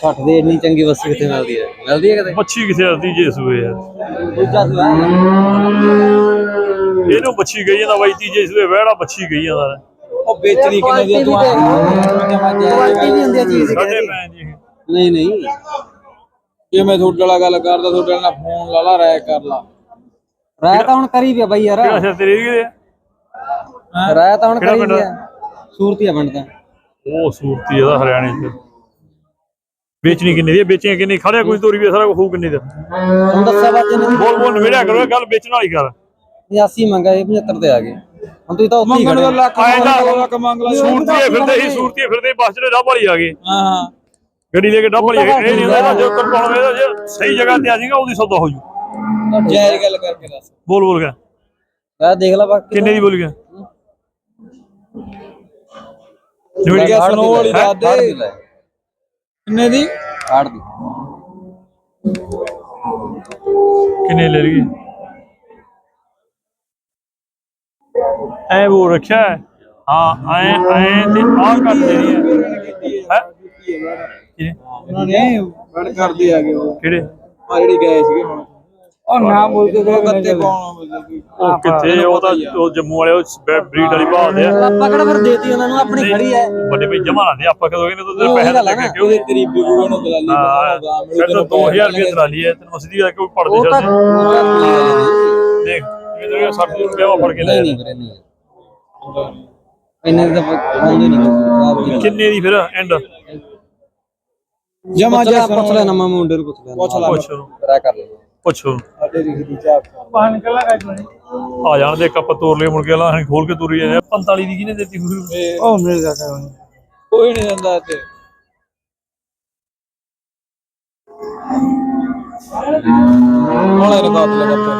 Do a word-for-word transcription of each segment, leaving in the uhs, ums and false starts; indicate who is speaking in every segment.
Speaker 1: ਸੱਠ ਦੀ ਇੰਨੀ ਚੰਗੀ ਬੱਸੀ ਕਿੱਥੇ ਮਿਲਦੀ ਹੈ? ਮਿਲਦੀ ਹੈ ਕਿਤੇ?
Speaker 2: ਬੱਚੀ ਕਿੱਥੇ ਆਦੀ ਜੇ ਸੂਏ ਯਾਰ
Speaker 1: ਦੂਜਾ ਸੂਆ
Speaker 2: ਇਹਨੂੰ ਬੱਚੀ ਗਈ ਜਾਂਦਾ ਬਾਈ ਤੀਜੇ ਸੂਏ ਵਹਿੜਾ ਬੱਚੀ ਗਈ ਜਾਂਦਾ।
Speaker 1: ਉਹ ਵੇਚਣੀ ਕਿੰਨੇ ਦੀ ਤੂੰ ਕੁਆਲਿਟੀ ਨਹੀਂ ਹੁੰਦੀ ਚੀਜ਼ ਦੀ।
Speaker 2: ਸਾਡੇ ਭੈਣ ਜੀ
Speaker 1: ਨਹੀਂ ਨਹੀਂ ਜੇ ਮੈਂ ਤੁਹਾਡੇ ਵਾਲਾ ਗੱਲ ਕਰਦਾ ਤੁਹਾਡੇ ਨਾਲ ਫੋਨ ਲਾ ਲਾ ਰਾਇ ਕਰ ਲਾ। ਰਾਇ ਤਾਂ ਹੁਣ ਕਰੀ ਪਿਆ ਬਾਈ ਯਾਰ।
Speaker 2: ਕਿਹੜਾ ਸਿਰ ਤੇਰੇ ਕਿਹਦੇ
Speaker 1: ਰਾਇ ਤਾਂ ਹੁਣ ਕਰੀ ਪਿਆ। ਸੂਰਤੀਆ ਪਿੰਡ ਦਾ।
Speaker 2: ਉਹ ਸੂਰਤੀ ਇਹਦਾ ਹਰਿਆਣੇ ਚ। ਵੇਚਣੀ ਕਿੰਨੇ ਦੀ? ਵੇਚੀਆਂ ਕਿੰਨੀ? ਖੜਿਆ ਕੋਈ ਤੋਰੀ ਵੀ ਸਾਰਾ ਹੋਊ ਕਿੰਨੇ ਦਾ?
Speaker 1: ਤੁਹਾਨੂੰ ਦੱਸਿਆ ਬਾਜੇ ਨੇ।
Speaker 2: ਬੋਲ ਬੋਲ ਨਵੇੜਿਆ ਕਰੋ ਗੱਲ ਵੇਚਣ ਵਾਲੀ ਕਰ।
Speaker 1: ਅੱਸੀ ਮੰਗਾ ਇਹ ਪਝੱਤਰ ਤੇ ਆ ਗਏ। ਹੁਣ ਤੁਸੀਂ ਤਾਂ ਉੱਥੇ ਹੀ ਖੜੇ ਲੱਖ ਲੱਖ ਮੰਗ ਲਾ।
Speaker 2: ਸੂਰਤੀਏ ਫਿਰਦੇ ਸੀ ਸੂਰਤੀਏ ਫਿਰਦੇ ਬੱਸ ਜਿਹੜੇ ਡੱਬ ਵਾਲੀ ਆ ਗਏ।
Speaker 1: ਹਾਂ
Speaker 2: ਗੱਡੀ ਲੈ ਕੇ ਡੱਬ ਵਾਲੀ ਇਹ ਨਹੀਂ ਹੁੰਦਾ ਜੋ ਕਰ ਪਾਉਣਾ ਜੇ ਸਹੀ ਜਗ੍ਹਾ ਤੇ ਆ ਜਾਏਗਾ ਉਹਦੀ ਸੌਦਾ ਹੋ ਜੂ।
Speaker 1: ਜਾਇਜ਼ ਗੱਲ ਕਰਕੇ ਦੱਸ।
Speaker 2: ਬੋਲ ਬੋਲ ਗਿਆ
Speaker 1: ਮੈਂ ਦੇਖ ਲਾ ਬਾਕੀ
Speaker 2: ਕਿੰਨੇ ਦੀ ਬੋਲ ਗਿਆ?
Speaker 1: ਨਵੇੜੀਆ ਸੁਣੋ ਵਾਲੀ ਦੱਸ ਦੇ ਕਿੰਨੇ ਦੀ? ਆਠ ਦੀ।
Speaker 2: ਕਿੰਨੇ ਲੈ ਲਈਏ? ਐ ਉਹ ਰੱਖਿਆ ਹਾਂ ਐ ਐ ਤੇ ਆਹ ਕਰ ਦੇਣੀ ਹੈ ਹੈ
Speaker 1: ਉਹਨਾਂ ਨੇ ਵੜ ਕਰਦੇ ਆ ਗਏ ਉਹ
Speaker 2: ਕਿਹੜੇ
Speaker 1: ਆ ਜਿਹੜੀ ਗਏ ਸੀਗੇ ਹੁਣ ਉਹ ਨਾ ਬੋਲ ਕੇ ਗੱਤੇ ਪਾਉਣਾ
Speaker 2: ਉਹ ਕਿੱਥੇ ਉਹ ਤਾਂ ਉਹ ਜੰਮੂ ਵਾਲੇ ਉਹ ਬਰੀਡ ਵਾਲੀ ਭਾਲਦੇ ਆ।
Speaker 1: ਆਪਾਂ ਕਿਹੜਾ ਫਿਰ ਦੇਤੀ ਉਹਨਾਂ ਨੂੰ ਆਪਣੀ ਖੜੀ ਐ
Speaker 2: ਵੱਡੇ ਵੀ ਜਮਾ ਲਾਦੇ ਆਪਾਂ ਕਦੋਂ ਕਹਿੰਦੇ ਤੂੰ ਪੈਸੇ ਲੈ ਕੇ ਕਿਉਂ
Speaker 1: ਤੇਰੀ ਬਿਗੂ ਨੂੰ ਦਲਾਲੀ ਬਣਾਉਂਦਾ
Speaker 2: ਫਿਰ ਤਾਂ ਦੋ ਹਜ਼ਾਰ ਰੁਪਏ ਦਲਾਲੀ ਹੈ ਤੈਨੂੰ ਮਸਦੀ ਦਾ ਕੋਈ ਪੜਦੇ ਛੱਡ ਦੇਖ ਇਹ ਸੱਠ ਰੁਪਏ ਫੜ ਕੇ ਲੈ
Speaker 1: ਨਹੀਂ ਵੀਰੇ ਨਹੀਂ ਇੰਨੇ ਦਾ ਆਉਂਦੇ ਨਹੀਂ।
Speaker 2: ਕਿੰਨੇ ਦੀ ਫਿਰ ਐਂਡ
Speaker 1: ਜਮਾ ਜਾ ਪੁੱਛ ਲੈ ਨਾ ਮੈਂ ਮੁੰਡੇ ਨੂੰ ਪੁੱਛ ਲੈ ਪੁੱਛ ਲੈ
Speaker 2: ਪੁੱਛ
Speaker 1: ਕਰਾ ਕਰ ਲੈ
Speaker 2: ਪੁੱਛੋ
Speaker 1: ਸਾਡੇ ਰਿਖ ਦੀ ਚਾਹ ਬਾਹਰ ਨਿਕਲਣਾ ਕਾਜ
Speaker 2: ਆ ਜਾਣ ਦੇ ਕੱਪ ਤੋੜ ਲਈ ਮੁੜ ਕੇ ਲਾ ਖੋਲ ਕੇ ਤੁਰੀ ਜਾਂਦੇ ਪੰਤਾਲੀ ਦੀ ਕਿਹਨੇ ਦਿੱਤੀ
Speaker 1: ਉਹ ਮਿਲ ਜਾ ਕੋਈ ਨਹੀਂ ਦਿੰਦਾ ਤੇ ਨਾਲੇ ਰਕਾਤ ਲਗਾ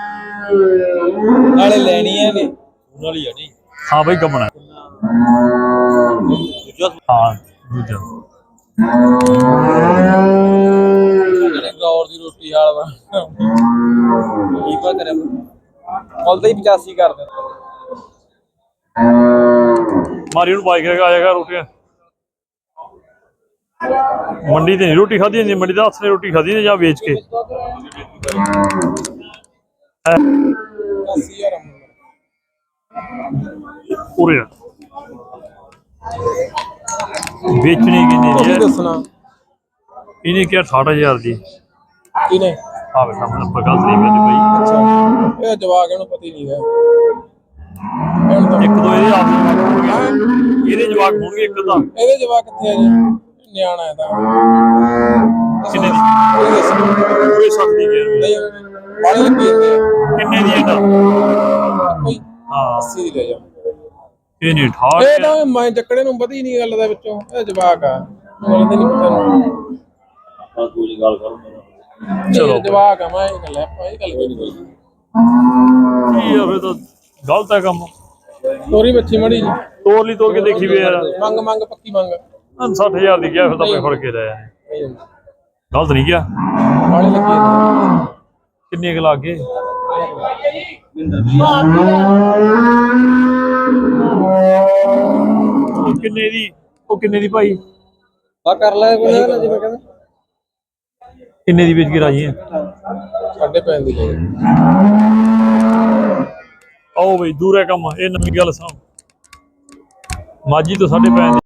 Speaker 1: ਨਾਲੇ ਲੈਣੀ ਹੈ ਨੇ ਨਾਲੇ ਆ ਨਹੀਂ।
Speaker 2: ਹਾਂ ਬਈ ਗਮਣਾ ਹਾਂ ਦੂਜਾ
Speaker 1: ਜਿਹੜੇ ਗੌਰ ਦੀ ਰੋਟੀ ਹਾਲ ਵਾ ਕੀ ਪਾ ਕਰੇ ਮੁੱਲ ਹੀ ਪਚਾਸੀ ਕਰ ਦੇ
Speaker 2: ਮਾਰੀ ਨੂੰ ਬਾਈਕ ਲਗਾ ਜਾਏਗਾ ਰੋਟੀਆਂ ਮੰਡੀ ਤੇ ਨਹੀਂ ਰੋਟੀ ਖਾਧੀ ਜਾਂਦੀ ਮੰਡੀ ਦਾ ਹੱਥ ਨੇ ਰੋਟੀ ਖਾਧੀ ਨੇ ਜਾਂ ਵੇਚ ਕੇ ਪੂਰੇ ਵੇਚਣੀ ਕਿੰਨੀ ਦੀ ਹੈ
Speaker 1: ਦੱਸਣਾ
Speaker 2: ਇਹਨੇ ਕਿਹਾ ਅਠਾਹਠ ਹਜ਼ਾਰ ਦੀ
Speaker 1: ਕਿਨੇ
Speaker 2: ਆ ਬੇਟਾ ਮੈਂ ਨੰਬਰ ਗਲਤ ਨਹੀਂ ਕਰਨੀ ਬਈ।
Speaker 1: ਅੱਛਾ ਇਹ ਜਵਾਕ ਇਹਨੂੰ ਪਤਾ ਹੀ ਨਹੀਂ ਹੈ
Speaker 2: ਇੱਕ ਦੋ ਇਹਦੇ ਆਪ ਹੋਣਗੇ ਇਹਦੇ ਜਵਾਕ ਹੋਣਗੇ ਇੱਕ ਤਾਂ
Speaker 1: ਇਹਦੇ ਜਵਾਕ ਕਿੱਥੇ ਆ ਜੀ ਨਿਆਣਾ ਹੈ ਤਾਂ
Speaker 2: ਕਿੰਨੇ ਦੀ ਪੂਰੇ ਸੱਤ ਦੀ ਗੇਰ
Speaker 1: ਨਹੀਂ ਬਾਲੇ ਲੱਗੀ ਜਾਂਦੇ ਆ
Speaker 2: ਕਿੰਨੇ ਦੀ ਇਹਦਾ
Speaker 1: ਕੋਈ
Speaker 2: ਹਾਂ
Speaker 1: ਅੱਸੀ ਦੀ ਲੈ ਜਾ
Speaker 2: ਇਹ ਨਹੀਂ ਅਠਾਹਠ
Speaker 1: ਇਹ ਤਾਂ ਮੈਂ ਚੱਕੜੇ ਨੂੰ ਪਤਾ ਹੀ ਨਹੀਂ ਗੱਲ ਦਾ ਵਿੱਚੋਂ ਇਹ ਜਵਾਕ ਆ ਮੈਨੂੰ ਤਾਂ ਨਹੀਂ ਪਤਾ
Speaker 2: ਕੋਈ ਗੱਲ ਕਰੋ ਚਲੋ
Speaker 1: ਜਵਾਕ ਆ ਮੈਂ ਇਹ ਗੱਲ ਆਪਾਂ ਇਹ ਗੱਲ ਕੋਈ ਨਹੀਂ
Speaker 2: ਕੀ ਆ ਫਿਰ ਤਾਂ ਗਲਤ ਹੈ ਕੰਮ
Speaker 1: ਤੋਰੀ ਬੱਚੀ ਮੜੀ ਜੀ
Speaker 2: ਤੋਰ ਲਈ ਤੋਰ ਕੇ ਦੇਖੀ ਵੀ ਯਾਰ
Speaker 1: ਮੰਗ ਮੰਗ ਪੱਕੀ ਮੰਗ
Speaker 2: ਸੱਠ ਹਜ਼ਾਰ ਦੀ ਗਿਆ ਫਿਰ ਤਾਂ ਮੈਂ ਫੜ ਕੇ ਲਿਆ ਗਲਤ ਨਹੀਂ ਗਿਆ
Speaker 1: ਬਾਲੇ ਲੱਗੀ
Speaker 2: ਕਿੰਨੇ ਕੁ ਲੱਗ ਗਏ ਕਿੰਨੇ ਦੀ ਉਹ ਕਿੰਨੇ ਦੀ ਭਾਈ
Speaker 1: ਆ ਕਰ ਲੈ ਕੋਈ ਨਾ ਜਿਵੇਂ ਕਹਿੰਦਾ
Speaker 2: ਕਿੰਨੇ ਦੀ ਵੇਚ ਕੇ ਰਾਜੀ ਹੈ
Speaker 1: ਸਾਡੇ ਪੈਣ ਦੀ ਲੈ
Speaker 2: ਆਓ ਬਈ ਦੂਰ ਹੈ ਕੰਮ ਇਹ ਨਵੀਂ ਗੱਲ ਸੁਣੋ ਮਾਜੀ ਤੋਂ ਸਾਡੇ ਪੈਣ